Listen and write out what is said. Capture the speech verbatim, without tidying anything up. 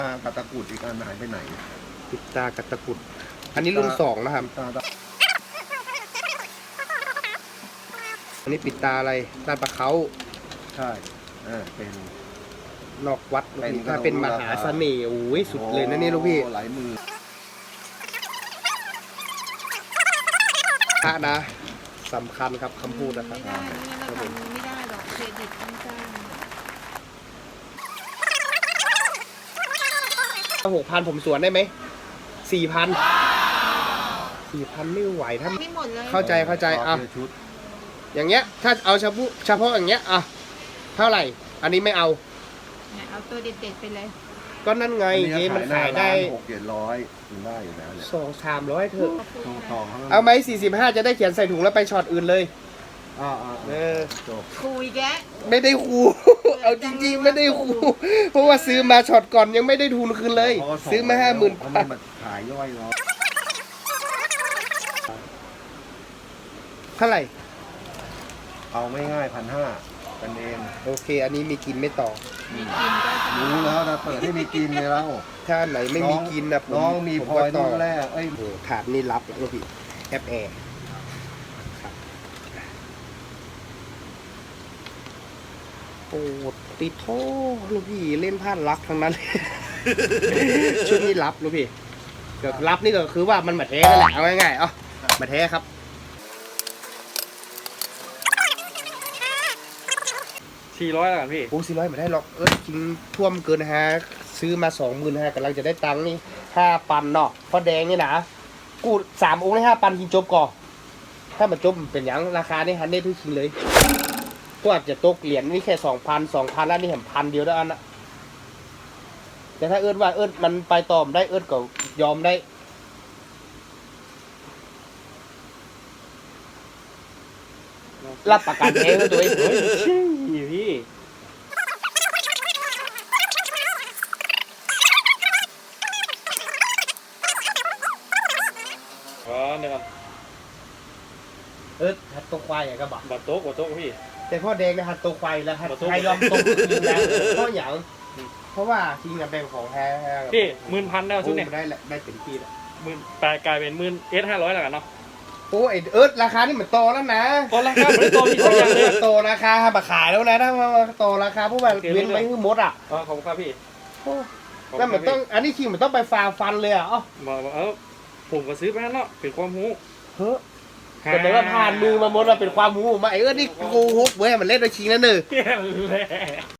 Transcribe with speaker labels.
Speaker 1: กับตะกรุดอีกอันหายไปไหน
Speaker 2: ปิดตากับตะกรุดอันนี้รุ่นสองนะครับอันนี้ปิดตาอะไรตาปลาเขา
Speaker 1: ใช่เออเป็น
Speaker 2: นอกวัดถ้าเป็นมหาเสน่ห์โอ้ยสุดเลยนะนี่ลูกพี่
Speaker 1: หลายมือ
Speaker 2: พระนะสำคัญครับคำพูดนะครับ
Speaker 3: ไม่ได้เราทำไม่ได้หรอกเครดิตต้องจ้าง
Speaker 2: หกพันผมสวนได้ไหมสี่พันสี่พันไม่ไหวถ้า
Speaker 3: ไม่หมดเลย
Speaker 2: เข้าใจเข้าใจอ่ะอย่างเงี้ยถ้าเอาเฉพาะเฉพาะอย่างเงี้ยอ่ะเท่าไหร่อันนี้ไม่เอา
Speaker 3: เอาตัวเด็ดๆไปเลย
Speaker 2: ก็นั่นไงเจ๊มันขายได้
Speaker 1: หกเจ็ดร้อยถึงได้อยู่แล้วเนี่ย
Speaker 2: สองสามร้อยเถอะ
Speaker 1: เ
Speaker 2: อาไหมสี่สิบห้าจะได้เขียนใส่ถุงแล้วไปช็อตอื่นเลย
Speaker 1: อ่า
Speaker 2: เออ
Speaker 3: คุยแก
Speaker 2: ไม่ได้คูเอาจริงๆไม่ได้คูเพราะว่าซื้อมาช็อตก่อนยังไม่ได้ทุนคืนเลยซื้อมาห้าหมื่น
Speaker 1: เขามาขายย่อยเนาะ
Speaker 2: เท่าไหร่
Speaker 1: เอาไม่ง่ายพันห้ากันเอง
Speaker 2: โอเคอันนี้มีกินไม่ต่อ
Speaker 3: มีกินก็
Speaker 1: รู้แล้วนะเปิดให้มีกินเลยแล้ว
Speaker 2: ถ้าไหนไม่มีกินนะ
Speaker 1: น้องมีพลอยต่อแรกไอ้
Speaker 2: ถาดนี่รับแล้วพี่แอปแอร์โอ้ติดโทลูกพี่เล่นพลาดรักทั้งนั้นชุดนี้รับลูกพี่เดี๋ยวรับนี่ก็คือว่ามันมาแท้กันแหละเอาง่ายๆเอ้ามาแท้ครับ
Speaker 4: สี่ร้อยแล้วกันพี่
Speaker 2: โอ้สี่ร้อยไม่ได้หรอกเออจริงท่วมเกินฮะซื้อมาสองหมื่นฮะกำลังจะได้ตังค์นี่ห้าปันเนาะพอแดงนี่นะกูสามองค์ได้ห้าปันกินจบก่อนถ้ามันจบเป็นอย่างราคานี่ฮันเน่ทุกชิ้นเลยก็อาจจะตกเหรียญนี่แค่สองพันสองพันแล้วนี่เห็นพันเดียวได้อันนะแต่ถ้าเอิ้นว่าเอิ้นมันไปต่อมได้เอิ้นก็ยอมได้รับประกันเองตัวเอง
Speaker 4: พี่อ๋อเนี่ยครับ
Speaker 2: เออหัดตกควายอย่างกระบะ
Speaker 4: บัตโต๊ะบัตโต๊ะพี่
Speaker 2: แต่พ่อแดงนะหัดตกควายแล้วหัดใครยอมตกคืนแล้วเพราะอย่างเพราะว่าจริงกับแบงของแท้
Speaker 4: พี่หมื่นพันได้ชุดเนี่ย
Speaker 2: ได้ได้เป็นที่แล้ว
Speaker 4: หมื่นแปดกลายเป็นหมื่นเอสห้าร้อยแล้วกันเนาะ
Speaker 2: โอ้ไอเอิร์ธราคานี่เหมือนโตแล้วนะ
Speaker 4: โตราคาไม่โตพี่ทุกอย่างเลย
Speaker 2: โตราคามาขายแล้วนะถ้ามาโตราคาพวกแบบเว้นไว้คือมดอ่ะ
Speaker 4: อ๋อขอบคุณครับพี่
Speaker 2: นั่นมันต้องอันนี้คิงมันต้องไปฟาฟันเลยอ่ะอ๋อ
Speaker 4: บอกเออผมก็ซื้อไปแล้วเนาะเป็นความรู้
Speaker 2: เฮ้แต่แต่ว่าผ่านมือมามดมาเป็นความรู้มาไอเอิร์ธนี่โกหกเว้ยมันเล่นโดยคิงแล้วเนอะ